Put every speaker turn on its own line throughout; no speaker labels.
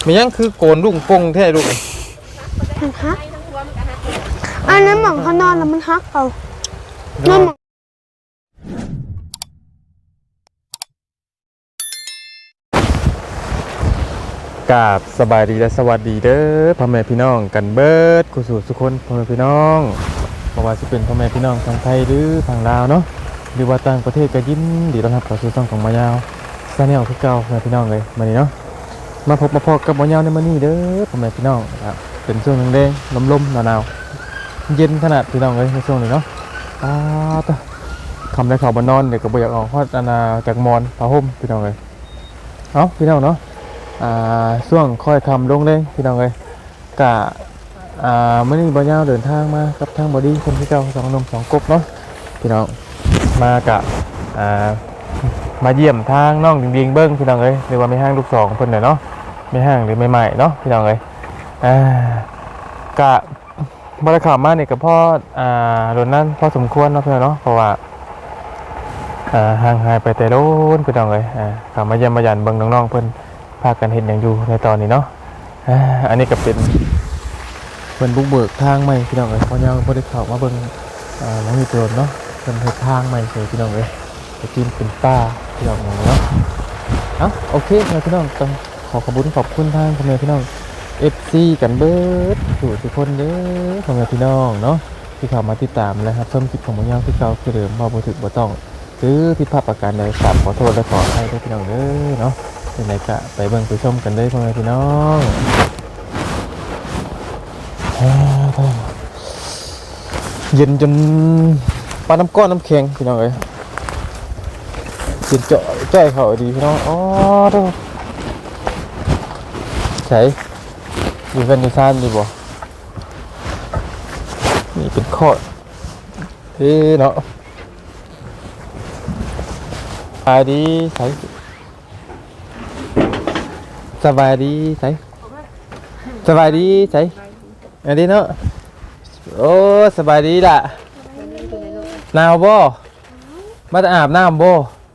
มียังคือโกนลุงปงแท้ลูก
มันฮักอันนั้นหมองเขานอนแล้วมันฮักเอานอนหมอง
กราบสบายดีและสวัสดีเด้อพ่อแม่พี่น้องกันเบิดกุศลสุคนพ่อแม่พี่น้องเพราะว่าจะเป็นพ่อแม่พี่น้องทางไทยหรือทางลาวเนาะหรือว่าต่างประเทศก็ยินดีต้อนรับเข้าสู่ช่องของมายาวซาแนลคือเก่าพ่อแม่พี่น้องเลยมานี่เนาะมาพบมาพอกับมายาวในมื้อนี้เด้อพ่อแม่พี่น้องครับเป็นช่วงแดงๆลมๆหนาวๆเย็นขนาดพี่น้องเลยในช่วงนี้เนาะต่อคำได้ข่าวบานนอนเดี๋ยวก็บ่อยากออกฮอดอาณาจากมอนผ้าห่มพี่น้องเลยเอาพี่น้องเนาะช่วงค่อยคำลงเลยพี่น้องเลยกะเมื่อนี้บ่ยาวเดินทางมากับทางบอดี้คนที่เจ้าสองนมสองกบเนาะพี่น้องมากะมาเยี่ยมทางน้องดิงๆเบิ้งพี่น้องเลยหรือว่าไม่ห้างลูกสองเพิ่นเนาะไม่ห้างหรือไม่ใหม่เนาะพี่น้องเลยกะบริข่าวมาเนี่ยกับพ่อโดนนั่นพอสมควรเนาะเพื่อนเนาะเพราะว่าห่างหายไปแต่โดนพี่น้องเลยกลับมาเยี่ยมมาหยันเบิ้งน้องๆเพิ่นพากันเห็นอย่างอยู่ในตอนนี้เนาะอันนี้ก็เป็นบุกเบิกทางใหม่พี่น้องเลยพอยังพอได้ข่าวมาเบิ่งน้องมีตัวเนาะเป็นทางใหม่เลยพี่น้องเลยจะกินเป็นป้าพี่น้องเนาะโอเคพี่น้องต้องขอบคุณทางพ่อแม่พี่น้อง FC กันเบิดทุกคนเด้อพ่อแม่พี่น้องเนาะที่เข้ามาติดตามนะครับเพิ่มคลิปของมายาวที่เก่าคือเดิมบ่ถึกบ่ต้องซื้อผิดพลาดประการใดกราบขอโทษและขออภัยด้วยพี่น้องเด้อเนาะเป็นไรกะไปเบิ่งไปชมกันได้พ่อแม่พี่น้องเย็นจนปลาน้ำก้อนน้ำแข็งพี่น้องเอ้ยเย็นเจาะใจเขาดีพี่น้องดูใช่อยู่กันในซ่านดีบ่นี่เป็นข้อเนาะไปดีใส่สบายดีใส่สบายดีใส่อันนี้เนาะโอ้สบายดีล่ะหนาวบ่มาจะอาบน้ำบ่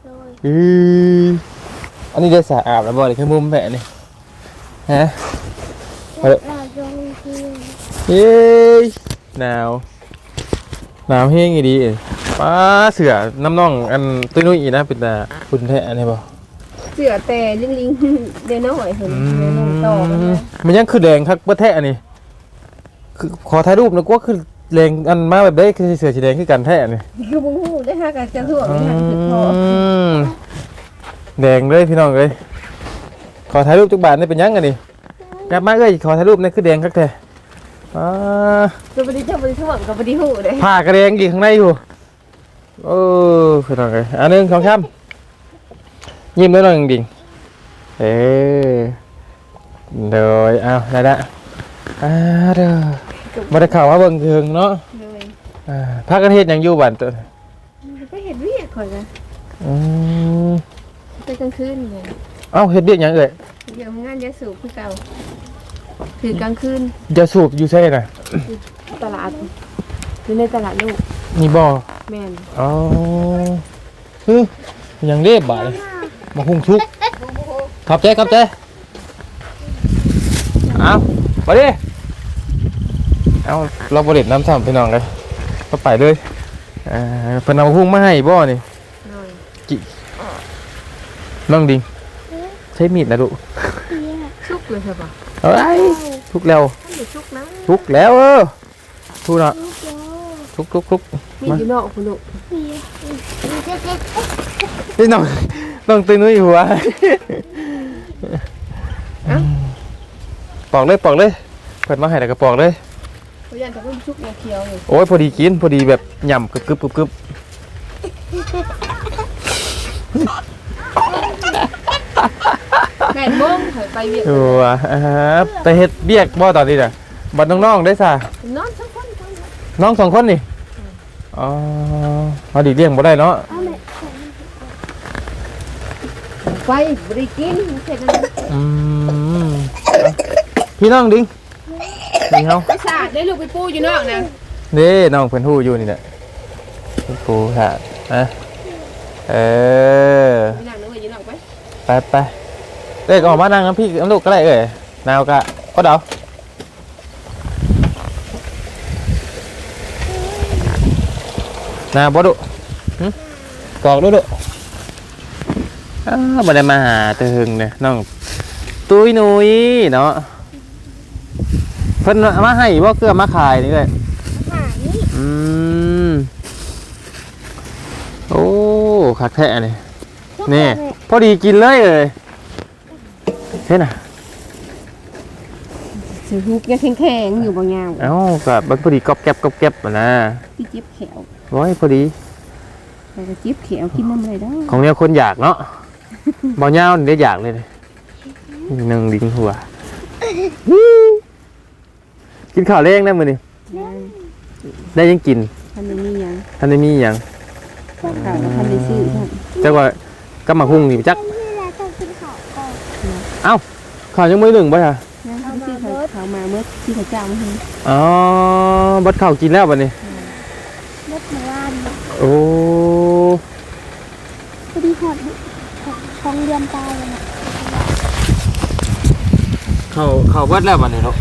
อันนี้ได้สระอาบแล้วบ่เลยแค่มุมแม่นี่ฮะเฮ้ยหนาวแห้งอีดีป้าเสือน้ำน่องอันตุ้ยนุ้ยอีนะเป็นตาคุณแท้อันนี้บ่
เสือแต่ลิงเดี๋ยวน้อยเห็นเดี๋ยวน้องต่อ
มันยังคือแดงคักประแท้อันนี้คือขอถ่ายรูปนะก็คือแรงอันมาแบบได้คือเสือสีแดงคือกันแท้อันนี้
คือบุ้งหูได้ห้ากันจะถ่วงไม่ทันถึงพอ
แดงเลยพี่น้องเลยขอถ่ายรูปทุกบาทนี่เป็นยังไงนี่กลับมาเลยขอถ่ายรูปนี่คือแดงคักแท้
จะไปดีจะไปดีถ่วงกับไปดีหูเลย
ผ้ากระแดงกี่ข้างในอยู่พี่น้องเลยอันนึง2 คำยิ้มด้วยหน่อยจริงเดี๋ยวได้ละเด้อมาได้ข่าวว่าเบิ่งถึงเนาะพากันเฮ็ดหยังอยู่บ้านตัว
ก็เห็นวิ่งข่อยนะไปกลางคืนเลย
เฮ็ดเบี้ยหยังเอ่ย
เดี๋ยวงานยาสูบคือเก่าคือกลางคืน
ยาสูบอยู่ใช่น่ะ
ตลาดอยู่ในตลาดลูก
นี่บ่
แม่น
ยังเรียบบ่ายมาหุงทุกขอบใจไปดิเราบริเวณน้ำซ้ำพี่น้องเลยก็ไปเลยเพิ่นเอาหุ้งมาให้บ่นี่จิน้องดิงใช้มีดนะลูก
ชุกเลยใช่ปะ
ทุกแล้วทุกแล้วทุกเนาะทุก
มีอยู่นอกคุณลูก
นี่น้องตื่นนุ้ยหัวปอกเลยเปิดมาให้แล้วก็ปอกเลย
ยันจะเพิ่มชุกเคี้ยวอยู่
โอ้ยพอดีกินพอดีแบบหย่ำกึบ
แม่บ้งไปเบียก
แต่เฮ็ดเบียกบ่ตอนนี้น่ะบัดน้องๆได้ซะน้อง2 คนนี่เอาดีเลี้ยงบ่ได้เนาะ
ไปบริกินเสร็จแล้ว
พี่น้องดิงนี่เฮา
ไปสาดได้ลูกไปปูอยู่นอกนะ
นี่น้องเพิ่นฮู้อยู่นี่แหละปูสาด
นั่งนึกว่าอยู่นอกไป
เด็กออกมานั่งน้ำพี่น้ำลูกก็ได้หนาวกะก็เดาหนาวบ่ดุหึกอกดุบ่ได้มาหาแต่หึงเนี่ยน้องตุ้ยหนุ่ยเนาะเพิ่นเอามาให้บ่เกลือมาขายนี่เลย
หาย
โอ้คักแท้นี่นี่พอดีกินเลยเห็นน่ะ
สิฮุกยังแข็งๆอยู่บ่ยาว
เอ้าก็มันพอดีก๊อบแก๊บอ่ะนะ
ที่จิบแขว
โอ้ยพอดี
แต่ก็จิบแขวกินน้ำอะไรได้
ของเนี่ยคนอยากเนาะบ่ยาวนี่ได้อยากเลยนึ่งดิ้งหัวกินข้าวเล้งได้มื้อนี้ได้ยังกิน
ท่านได้มีหยัง
ท่านได้มีหยัง
ข้าวแล้วท่านได้ซื้อท่าน
จักว่าก็มาหุ้งนี่จัก
นี่แหละต้องกินข้าวก่อน
เอ้าข้าวยังมื้อหนึ่งบ่ค่ะ
ยังท่านซื้อข้าวมาเมื่อที่เขาจ้างมาให้
อ๋อบัดข้าวกินแล้วบัดนี้
รถมาว่าน
โอ้
พอดีหอดท้องเดือนตายเลยนะ
ข้าวเบิดแล้วบัดนี้เนาะ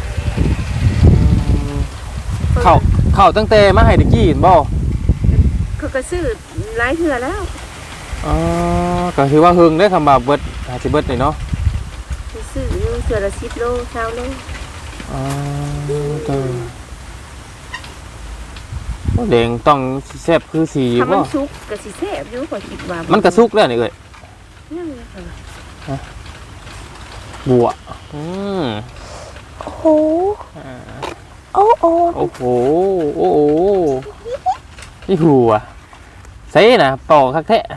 ข้าวตั้งแต่มาให้ตะกี้เห็นบ่
เขาก็ซื้อหลายเทื่อแล้ว
อ๋อก็ถือว่าหึงได้คำว่าเบิดอาจสิเบิดนี่เนาะ
ซื้ออยู่เทื่อละ10โล20โล
อ๋อเด้อโอ้แดงต้องแซ่บคือสี
ถ้ามั
บ่
นสุกก็สิแซ่บอยู่ขอยคิดว่า
มันกระสุกแล้วนี่เอ้ย
ยังเลยค่ะ
บัว
โอ้โหโอ้โอ้
โอ้โหโอ้โหนี่หัวใส่น่ะปอกคักแท้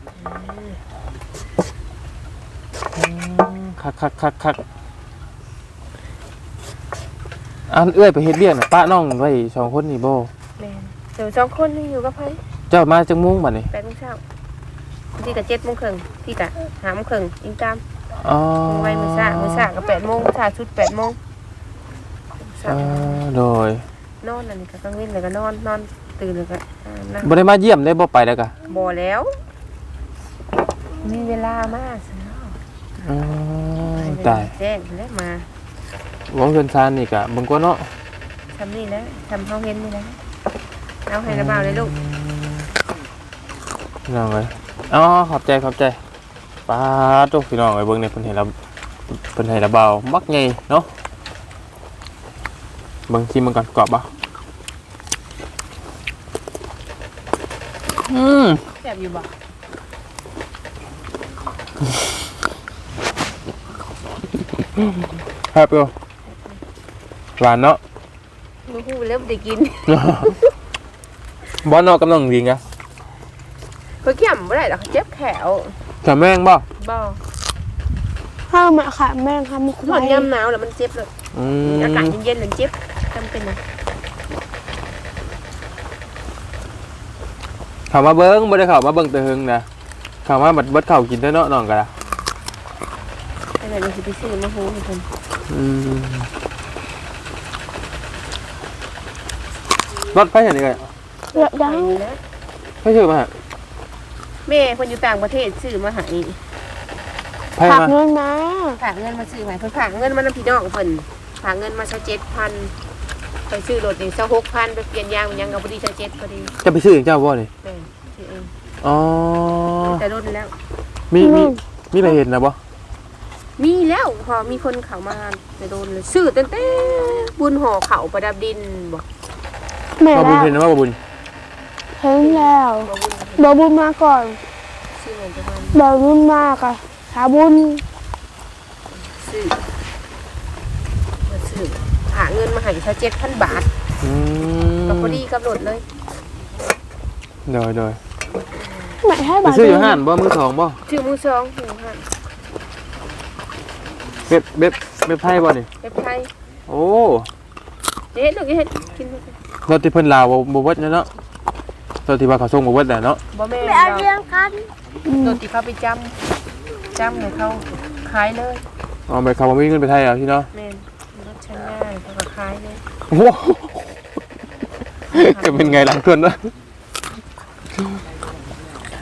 คักอันเอื้อยไปเฮ็ดเบี้ยน่ะป้าน้องไว้2คนนี่บ่
แม่นเดี๋ยว2คนนี่อยู่กับไผ
เจ้ามาจังมุ้งบัดนี้
8:00 นที่ก็7:30นที่ก็5:30นอิงตาม
อ๋อ
ไว้มื้อซ่าก็8:00 นซ่าชุด8:00 น
โดย
นอนอันนี้ก็กลางวันแล้วก็นอนตื่นแล้วก็นั่ง
บ่ได้มาเยี่ยมได้บ่ไปแล้วกะ
บ่แล้ว มีเวลามาซะเนาะ
อ๋อตาย
แจ้งแล้วมา
หวังเพิ่นซานนี่กะเบิ่งกว่าเนาะ
ทำนี่แล้วทำเฮาเห็นนี่แล้วเอาให้ระบาวเลยลูก
พี่น้องเอ้ยอ๋อขอบใจป้าตุ๊กพี่น้องเอ้ยเบิ่งเนี่ยเพิ่นให้ระเบามักใหญ่เนาะเบิ่งชิมมันก่อนกรอบบ่
แซ่บอยู่บ่
ครับอยู่หวานเนาะ
บ่ฮู้แล้วบ่ได้กิน
บ่เนาะกำลังดีงะ
เพิ่นเกี่ยมบ่ได้ดอกเจ็บแขว
แต่แม่งบ่
บ่
ข้าวมาค่ะแม่ค่ะมุก
ตอนยามหนาวแล้วมันเจ็บเลย อากาศเย็นๆแล้วเจ็บจำเป็นนะ
เข้ามาเบิ่งบ่ได้เข้ามาเบิ่งแต่หึงนะเข้ามาบัดเบิดข้าวกินเด้อเนาะน้องก็ล่ะ
อะไรเราสิไปซื้อมาฮู้ให้เพิ่น
รถไฟเห็นนี่ไง
เลือดดัง
นะ
ไม่ชื่อมาฮะ
แม่เพิ่นอยู่ต่างประเทศซื้อมาให้
ไฟ
ผัก
มา
เงินมา
ฝากเงินมาซื้อให้เพิ่นฝากเงินมานำพี่น้องเพิ่นฝากเงินมา7,000ไปซื้อรถนี่26,000ไปเปลี่ยนยางมันยังเอาพอดี7พอดี
จะไปซื้อเองเจ้าบ่นี่
แม่ซื้อเอง
อ๋อ
แต่รถแล้ว
มีไปเห็นนะบ่
มีแล้วพอมีคนเข้ามาแต่โดนเลยซื้อตั้งแต่บุญห่อเขาประดับดินบ่
แม่
บ่บุญ
แล้ว
เห็นนะว่าบ่บุญ
เห็นแล้ว
บ่บุญ
บอบุญมาก่อน
ซื้อเงินประมาณ
บอบุญมากอะสาบุญ
ซื้อมาซื้อหาเงินมาให้ซะ7,000 บาทก็พอดีกับรถเลย
โดย
ไม่ให้
ไป
บาท
ซื้ออยู่ห้านบ่มือสองบ่
ชื่อมือสองหูหัน
เบ็บไทยบ่นี่
เว็บไทย
โอ้
เด็ดลูกเฮ็ดกินบ่
รถที่เพิ่นลาวบ่เบิดเนาะรถที่ว่าเขาส่งบ่เบิดน่ะเนาะ
บ่แม่น
ไม่เอาเรื่องกัน
รถที่เขาไปจำให้เขาขายเลย
อ๋อไปเขาบ่มีเงินไปไทยเอาที่เนาะ
แม่นรถชั้นง่ายเขาก็ขายเลย
โอ้โหจะเป็นไงหลังทวนวะ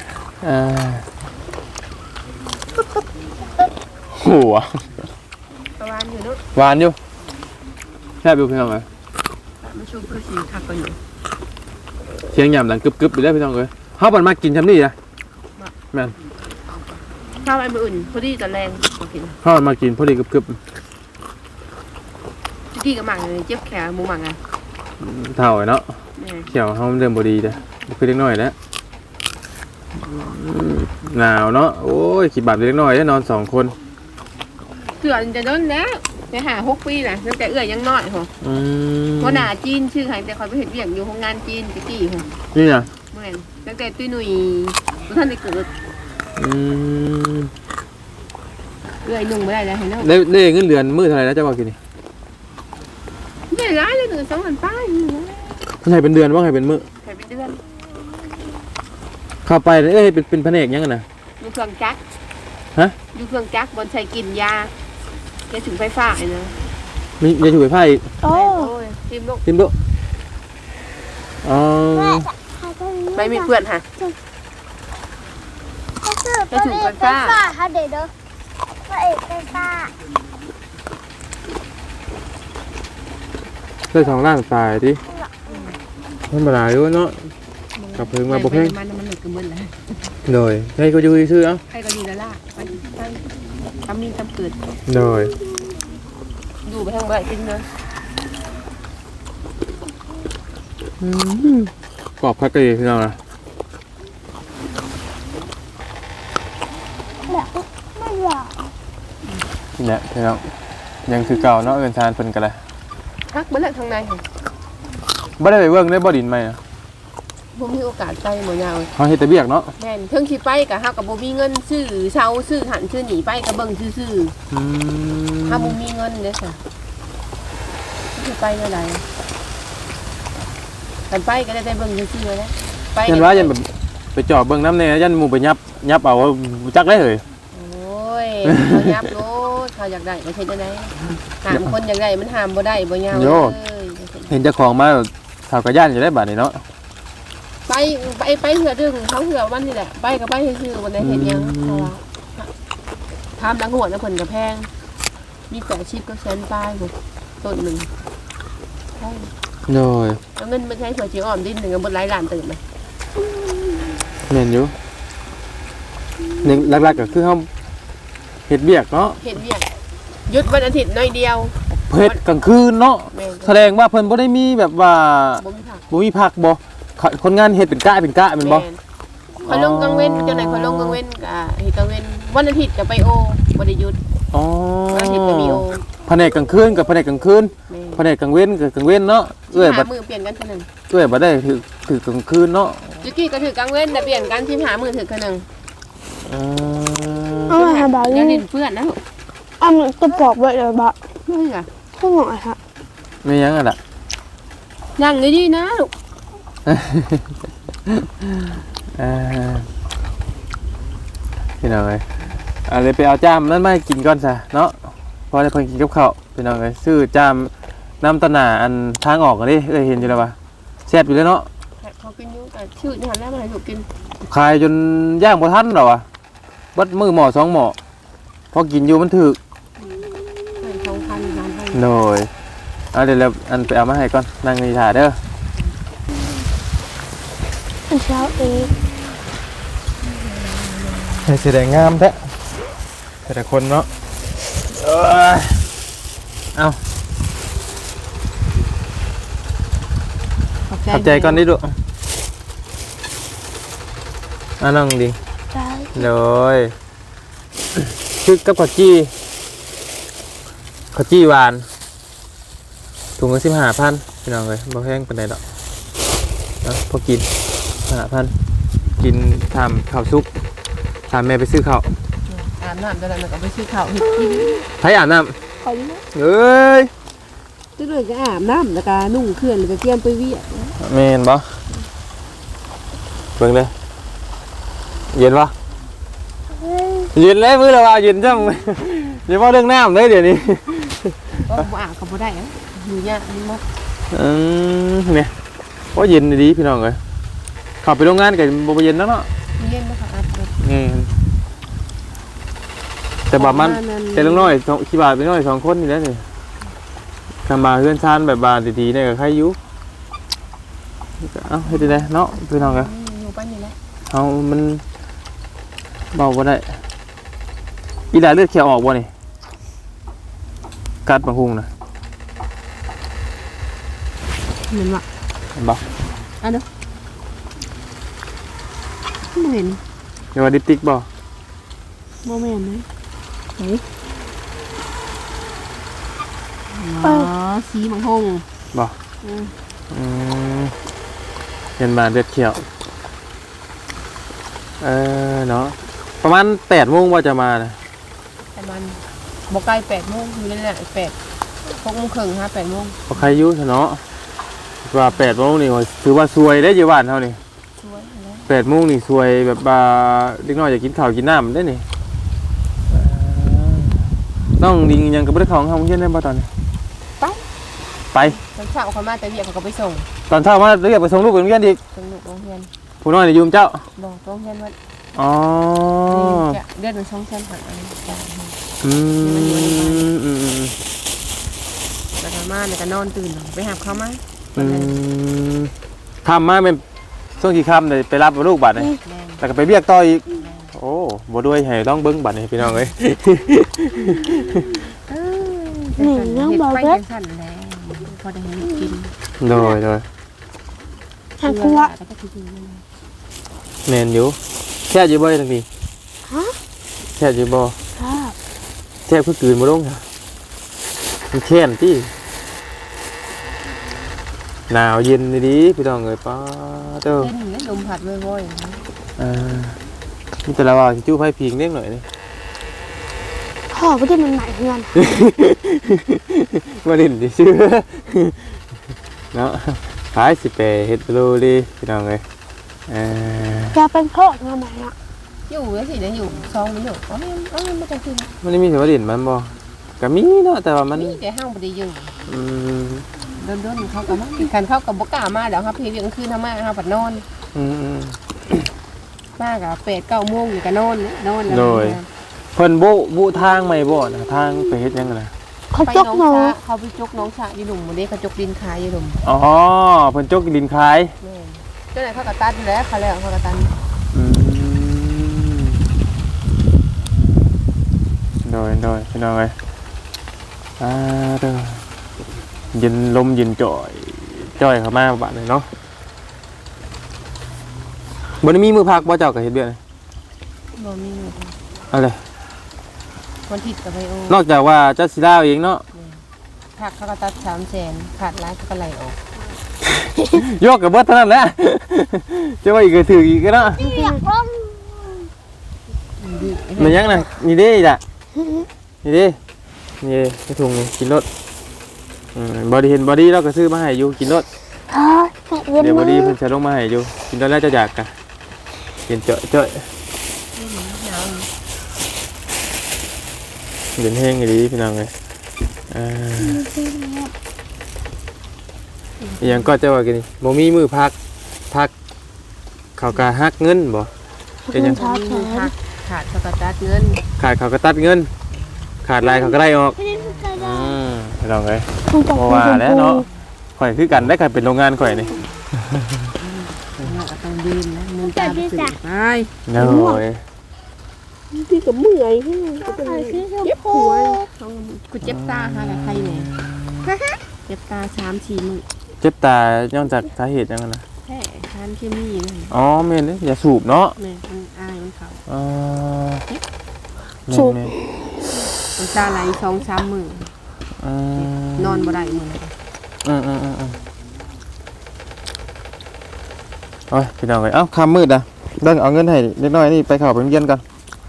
อ่าหัว
ประมาณอยู่เนาะ
หวานอยู่แซ่บอยู่พี่น้องเอ้ย
มันชูเพื่อสีคักกันอยู่
เสียงหยำดังกึบๆไปแล้วพี่น้องเอ้ยเฮาบ่มากินซำนี้นะแม่น
ข้าวไอ้มืออื่นพอดีตอนแรงมากิน
เฮามากินพอดีกึบ
กี้กับหมังเลยเจ็บแขนหมูหมังอ่ะ
ๆเท่าไอ้เนาะ
แม่
เขียวเฮามันเริ่มบ่ดีเด้อบ่คือเล็กน้อยแล้วหนาวเนาะโอ้ยขี้บาดเล็กน้อยได้นอน2คน
เกือบจะโดนแล้วไปหา6 ปีนะตั้งแต่เอื้อยยังน้อยหัว
อืม
หัวหน้าจีนชื่อใครแต่คอยไปเห็นเวียงอยู่โรงงานจีนตะกี้หัว
นี่น่ะ
เมื่อตั้งแต่ตุ้ยหนุ่ยทุกท่านได้เกิด
อืม
เอื้อยนุ่งไม่ได้แล้วเห็นแล้ว
ได้เงินเดือนมื้อเท่าไหร่แล้วเจ้าบอกกินนี่
ใหญ่ร้ายเลย1-2,000ป้ายนี่นะ
เพิ่นให้เป็นเดือนบ่ให้เป็นมื้อ
ใครเป็นเดือน
เข้าไปเอ้ยเป็นแผนกหยังอะน่ะ
อยู่เครื่องจักร
ฮะ
อยู่เครื่องจักรบนใช้กินยาแกถึงไฟฟ้าไอ้เนาะ
มียาถูไฟฟ้าอีก
โอ้
โอ้ยทีมลูก
ทิมดุอ๋อ
ไม่มีเพื่อนค่ะ
ก็ถึงไฟฟ้าค่ะเด็กเด้อพระเอกไฟฟ้า
ได้2ล้านปลายติมันบ่หลายอยู่เนาะกับเพิ่งมาบ่เพิ่ง
มันเหลือกันหมดแล้ว
โดยให้ก็อยู่ซื่อๆเอ้า
ใครก็ดีแล้วล่ะไปทำมีทำเกิด
โดย
ดูไปทางบ่ได้จริงเนาะ
กรอบคักกะดีพี่น้องนะ
แบบไม่หรอก
นี่แหละพี่น้องยังคือเก่าเนาะเอิ้นทานเพิ่นก็เลย
ทักเบิ่งทางในค่ะ
บ่ได้ไปเบิ่งได้บ่ดินใหม่นะ
บ่มีโอกาสไปบ่ยาว
เฮาเฮ็ดแต่เวียกเนาะ
แม่นเพิ่งสิไปก็เฮาก็บ่มีเงินซื้อเช่าซื้อหันซื้อหนีไปก็เบิ่งซื่อ
อืม
ๆถ้าบ่มีเงินเด้อค่ะสิไปเมื่อใดกันไปก็ได้เบิ่งซื่อๆแล้วไป
ยันว่ายันแบบไปจอบเบิ่งน้ำแน่ยันหมู่ไปยับเอาจักได้เฮ้ย
โอ้ยเขายับโลดเขาอยากได้ก็เฮ็ดได้ห้ามคนอยากได้มันห้ามบ่ได้บ่ยาวเลย
เห็นเจ้าของมาเฒ่าก็ย่านจะได้บัดนี้เนาะ
ไปเหือดึงเขาเหือวันนี่แหละไปก็ไปซื่อๆวันไหนเห็นยังเพราะว่าทำละงวดนะเพิ่นก็แพงมี80ก็แสนปลายพุ่นต้นหนึงใช่
โดย
เอาเงินมาใช้สวยจิ๋วอ้อมดินหนึงก็บ่หลายล้านตื่นมา
แม่นอยู่นี่หลักๆก็คือเฮาเฮ็ดเวียกเนาะ
เห็นเวียกหยุดวันอาทิตย์น้อยเดียว
เฮ็ดกลางคืนเนาะ
แม่น
แสดงว่าเพิ่นบ่ได้มีแบบว่า
บ่มีผัก
บ่มีพักบ่คนงานเฮ็ดเป็นกะแม่นบ่
แม่นคอยลงกลางเว้นจังได๋คอยลงกลางเว้นก็เฮ็ดกลางเว้นวันอาทิตย์ก็ไปโอบ่ได้หยุด
อ๋อ
วันอาทิตย์ก็มีโอ
แผนกกลางคืนกับแผนกกลางคืน
แม่น
แผนกกลางเว้นกับกลางเว้นเนาะเอ้ยบัด
15มื้อเปลี่ยนกันเท่านึง
เอ้ยบัดได้ถือกลางคืนเนาะ
จิกี้ก็ถือกลางเว้นแต่เปลี่ยนกัน15มื้อถือเท่านึง
เอามาหาบ่าว
อย่า
นี่
เล่นเพื่อนนะลูก
เอามันจะปอกไว้เลยบ่าว
เฮ้ยอ่ะ
ข้างหน่อยค่ะ
ไม่ยังอ่ะล่ะ
นั่งดีๆนะลูก
พี่น้องเอ้ยอะไรไปเอาจ้ามนั่นมาให้กินก่อนซะเนาะพอได้เพิ่นกินกับข้าวพี่น้องเอ้ยซื้อจ้ามน้ำตะหนาอันทางออกกันดิเอ้ยเห็นอยู่แล้วป่ะแซ่บอยู่เลยเนาะ
เขากินอยู่แต่ชื่อนี่หันแล้วมาให้ลูกกิน
ขายจนย่างบ่ทันหรอวะบัดมือหม้อสองหม้อพอกินอยู่มันถึก
ให้2,000 3,000
โดยเอาเดี๋ยวเราอันไปเอามาให้ก่อนนั่งนี่ถ่าเด้อ
อันเช้าเอง
ให้แสดงงามแท้แต่ละคนเนาะเอาขอบใจก่อนดิลูกน้องดิ
ได้
เลยคือกับข้าวจี้หวานถุงละ15,000พี่น้องเลยบ่แพงปานใดดอกนะพอกิน15,000กินทำข้าวซุปถามแม่ไปซื้อข้าว
อาบน้ำจะได้มันก็ไปซื้อข้าวให้กิน
ใครอาบน้
ขอดู
ำเอ้ย
ตื้อเลยก็อาบน้ำแล้วก็นุ่งเครื่องแล้วก็เตรียมไปเวียก
แม่นบ่เบิ่งเลยเย็นปะ
เฮ้ย
เย็นเลยมื้อละว่าเย็นจัง อย่าว่าเรื่องน้ำเลยเดี๋ยวนี้
ก็บ่อาบก็บ่ได้อะอยู่ยากนี่มก
เนี่ยว่าเย็นดีพี่น้องเลยขับไปโรงงานกับบ่เย็นแล้วเนาะ
เย็นนะคะอาบน้
นี่แต่บามันแต่ลุงน้อยขี้บาทไปน้อย2คนนี่แหละนี่คำบาเฮือนชานแบบบาดีๆเนี่ยก็ใครอยู่เอ้าเฮ็ดได้เนาะพี่น้องกัน
อยู่ป้านนี่แหละ
เอามันเบาบ่ได้อีหลาเลือดเขียวออกบ่นี่กัดบางพุงนะ
เหมือนว่า
เห็นบ่
อันเด้อไม่เห็น
เรียกว่าดิปติกบ่
โมเมนต์ไหมไหนสีมังหง
บ่เป็นบาเลือดเขียวเนาะประมาณ8 โมงว่าจะมานะ
ประมาณบอกไกล8 โมงอยู่นั่นแหละ6 โมงครึ่ง8 โมง
บ่ใครอยู่ซะเนาะว่า8 โมงนี่ว่าถือว่าซวยได้อยู่บ้านเฮานี่
ช่วยแล้ว
8 โมงนี่ซวยแบบว่าเด็กน้อยอยากกินข้าวกินน้ำได้นี่น้องดิงยังก็บ่ได้เข้าห้องเรียนได้บ่ตอนนี้ไป
ตอนเช้าเขามาแต่เรียกเขาก็ไปส่ง
ตอนเช้ามาเรียกไปส่งลูกไปโรงเรียนอีก
ส่งลูกโรงเรียน
ผู้น้อยนี่อยู่กับเจ้า
บอกโรงเรียนว่า
อ๋อ
เดือนละ200,000หาจ่าย
อืม
แล้วก็มาแล้วก็นอนตื่นไปหาเขามา
ทำมาเป็นช่วงกี่ค่ำเลยไปรับลูกบัตรเลย
แม่
แล้วก็ไปเรียกต่ออีกโอ้บ่ด้วยให้ต้องเบิ้งบัตรให้พี่น้องเลย
นี่น้องบอกว่าสั่นแล้วพอได้ให้กิน
โดย
ทางครัว
แล้วก็กิน
แมนอยู่แช่อยู่บ่ทั้งนี้
ฮะ
แช่อยู่บ่
ครับ
แช่เพื่อคืนมาลงค่ะมันแค้นที่หนาวเย็นดีพี่น้องเลยป้าเจ้า
เล่นอย่างนี้ลมพัดว่อยๆ
นี่แต่ละว่าสิจู้ไพ่พิงเล็กหน่อยนี่
พ่อไม่ได้มันหมายเงิน
มาดินดิชื่อเนาะขายสิไปเฮ็ดโลดีพี่น้องเลย
จะเป็นพ่อเงินไหนอ่ะ
อยู่แล้วสิเนี่ยอยู่ซองมันอยู่อ๋อไม่ต้องขึ้น
มันไม่มีเสียงว่าดินมันบ่ก็มีเนาะแต่ว่ามัน
นี่เดี๋ยวห้างบ่ได้อยู่
อืม
โดนเขากับมันกันเข้ากับบกล้ามาเดี๋ยวครับพี่เวียงคืนทำมาเขาปัดนอน
อืม
มากอะ8-9 โมงอยู่ก็นอนนอนแล้ว
โดยเพิ่นบุทางใหม่บ่นะทางไปเฮ็ดหยังกันนะ
เขา
ไป
จก
น้อง
หนู
ชาเขาไปจกน้องชาอยู่หนุ่มวันนี้เขาจกดินขายอยู่หนุ่ม
อ๋อเพิ่นจกดินขาย
แม่เจ้าไหนเขากระตันแล้วเขาแล้วเขากระตัน
อืมโดยพี่น้องเอ้ยเด้อเย็นลมเย็นจ่อยเข้ามาบาดนี้เนาะบ่ได้มีมือพักบ่เจ้าก็เฮ็ดเบี้ยนี่
บ่มี
อะไร
วันทิศกับไบโอน
อกจากว่าเจ้าสิลาเองเนาะ
ผักเขากระตัด300,000ขาดร้ายเขาก็ไหลออก
ยกกับเบิดเท่านั้นแหละ จะว่าอีกก็ถืออีกก็เนาะ
อยากล้ม
มันยังน่ะนี่เด้อีกอ่ะนี่เด้นี่กระถุงนี่กินรถบอดี้เห็นบอดี้เราก็ซื้อมาให้อยู่กินรถ
เย็น
เดี๋ยวบอ
มา
ดี้
ก
เพิ่นจะลงมาให้อยู่กินรถแล้วจะอยากกะกินเจาะเดินแห้งดีพี่น้องเลยยังก็จะว่ากันนี่บ่มีมือพักเขาก็ฮักเงินบ่เป็นยัง
มีมือผักขาดเขากระตัดเงิน
ขาดเขาก็ตัดเงิน ขาดลายเขาก็ได้ออกพี่น้องเลยบ่ว่าแล้วเนาะข่อยคือกันได้กันเป็นโรงงานข่อยนี่
เราก็ต้องดินนะมือตาไปสึกไป
โอ้ย
พี่กับเมื่อยเจ็บหัวกูเจ็บตาหากับใครเนี่ยเจ็บตา3-4 มื้อ
เจ็บตาย้อนจากสาเหตุยังไงนะ
แค่ทานเคมีนั่น
อ๋อแม่นเด้อย่าสูบเนาะ
แม่มันอายมันเขา
สูบ
มันตาไหล2-3 มื้อน อนบ่ได้มื้อ
โอ้ยพี่น้องเอ้ยเอ้าค่ำมืดอ่ะเบิ่งเอาเงินให้เล็กน้อยนี่ไปเข้าไปโรงเรียนก่อน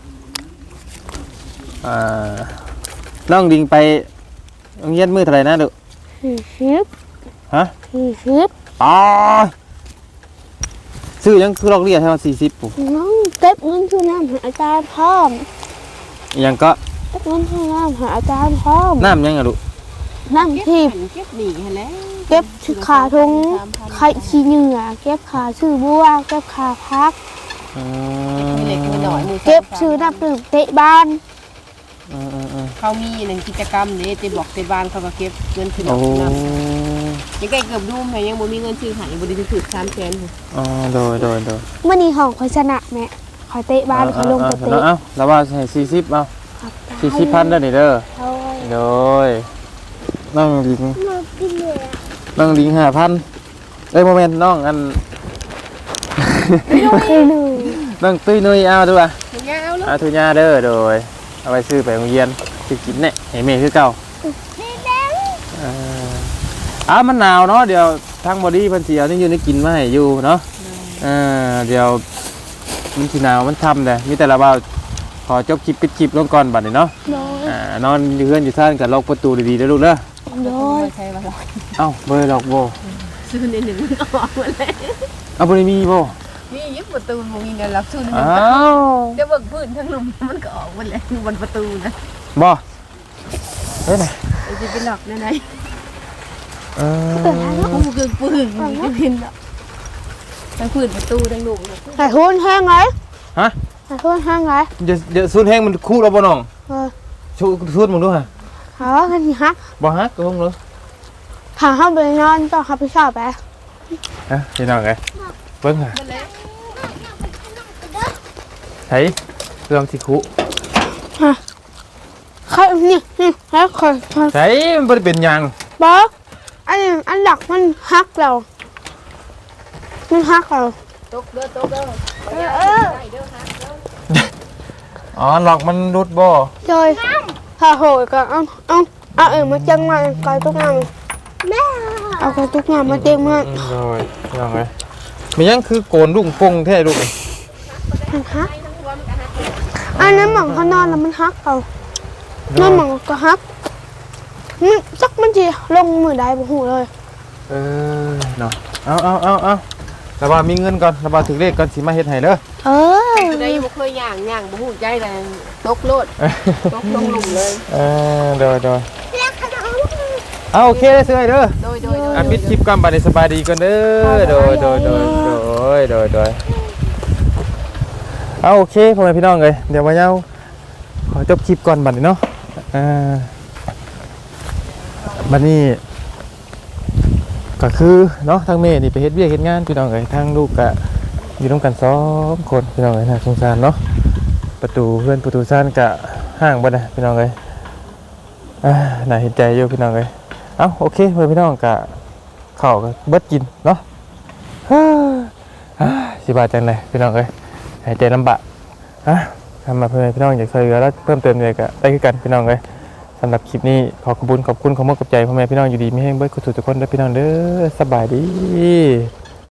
น้องดิงไปโรงเรียนมื้อเท่าไหร่นะลูก
40
ฮะ
40
อ๋อซื้อยังคือลอกเรียนให้มัน40ปุ๊บ
น้องเก็บเงินคือน้ำหาอาจารย์พร้อม
ยังก็
เก็บเงินคือน้ำหาอาจารย์พร้อม
น้ำยังอ่ะลูก
น้ำทิพย์
เก็บหนีหั่นแหละ
เก็บขาทงไข่ขี้เหงื่อเก็บขาชื่อบัวเก็บขาพัก
มีเล็กมีน้อยมือ
เก็บชื่อน้ำดื่มเตะบ้าน
เขามีหนึ่งกิจกรรมเนี่ยเตบอกเตบ้านเขาก็เก็บเงินซื้อ
โอ้
น้ำยังไงเกือบดูมแต่ยังบ่มีเงินซื้อหายบ่ได้ถือ300,000
อ๋อโดย
เมื่อนี้ของคอยชนะแม่คอยเตะบ้านคอยลงไปเตะ
เอ้าแล้วว่าให้40เอา
ครับ
40,000เด้อนี่เด้อ
โอ้ย
โดยน้องลิง
มาพี่เหนื่อย
น้องลิง5,000เอ้ยโมเมนต์น้องอัน
น้องหนึ่ง
น้องตุ้ยนุ้ยเอาดูอ่ะ
ถึงยาเอาลูก
เอาทุญาเด้อโดยเอาไปซื้อไปโรงเรียนสิกินเนี่ยให้แม่คือเก่ามันหนาวเนาะเดี๋ยวทางบอดี้เพิ่นสิเอานี่อยู่ในกินมาให้อยู่เนาะเดี๋ยวมันสิหนาวมันค่ำเลยมีแต่ละว่าขอจบคลิปปิดคลิปลงก่อนบัดนี้เนาะ
โดย
นอนอยู่เฮือนอยู่ซ่านก็ล็อกประตูดีๆเด้อลูกเด้อ
โดย
ใช่ว่าหรอก
เอ้าบ่ได้ล็อกบ่
ซื้อในหนึ่งมันออกหมดเลย
เอาบ่ได้มีบ่
มียึดประตูบ่มีเงินรับซื้อในหนึ่
อ้าง ว
เดี๋ยวเบิกพื้นทั้งลุมมันก็ออกหมดเลยบนประตูนะ
บ่เฮ้ยน่ะ
ไอ้จะไปหลอกนั่นไง
เออ
ผู้คือปืนจะเป็นทั้งพื้นประตูทั้งลุม
ไข่หุ้นแห้งไหม
ฮะ
ไข่หุ้นแห้งไหม
เดี๋ยวซูนแห้งมันคู่แล้วบ่น้อง
เออ
ซูนมึงดูฮะ
หาว่ากันทีฮัก
บ่ฮักก็คงเลย
หาเข้าไปนอนต่อครับพี่ชอบไป
ฮะพี่น้องไงเบิ่งฮะไผเครื่องที่คุ
ใครนี่แล้วคอย
ไผมันบ่ได้เป็นหยัง
บอกอันหลักมันฮักเรามันฮักเรา
ตกเด้อตกเด้อ
อ๋อหลอกมันรุดบ่
โดยพาโหยก็เอามาจังมาไก่ตุ๊กงามแม่เอาไก่ตุ๊กงามมาเต็มมาก
โอ้ยพี่น้องไงมีหยังคือโกนลุงปงแท้ลูก
มันฮักอันนั้นหมองเขานอนแล้วมันฮักเรานั่นหมองก็ฮักมันจักมันจีลงมือได้บ่หูเลย
เนาะเอาแล้วว่ามีเงินก่อนแล้วว่าถึงเลขก่อนสิมาเฮ็ดให้เด้อ
เออ
ได้บ่เคยย่างบ่ฮู้ใจแรงตกโลดตกลงหลุมเลย
โดยเอาโอเคได้ซื้อให้เด้อ
โดย
ปิดคลิปก่อนบัดนี้สบายดีก่อนเด้อโดยเอาโอเคพ่อแม่พี่น้องเอ้ยเดี๋ยวมาเย้าขอจบคลิปก่อนบัดนี้เนาะบัดนี้ก็คือเนาะทางแม่นี่ไปเฮ็ดเวียกเฮ็ดงานพี่น้องเอ้ยทางลูกก็อยู่ร่วมกัน2คนพี่น้องเอ้ยน่าสงสารเนาะประตูเพื่อนประตูซ่านก็ห่างบ่ได้พี่น้องเอ้ยน่าเห็นใจอยู่พี่น้องเอ้ยเอาโอเคเพื่อนพี่น้องก็ข้าวก็เบิดกินเนาะสิบาทจังไดพี่น้องเอ้ยหายใจลำบากทำมาเพื่อนพี่น้องอยากช่วยเหลือแล้วเพิ่มเติมเลยก็ได้คือกันพี่น้องเอ้ยสำหรับคลิปนี้ขอบคุณขอบมากกับใจพ่อแม่พี่น้องอยู่ดีไม่แห้งเบิดกุศลทุกคนด้วยพี่น้องเด้อสบายดี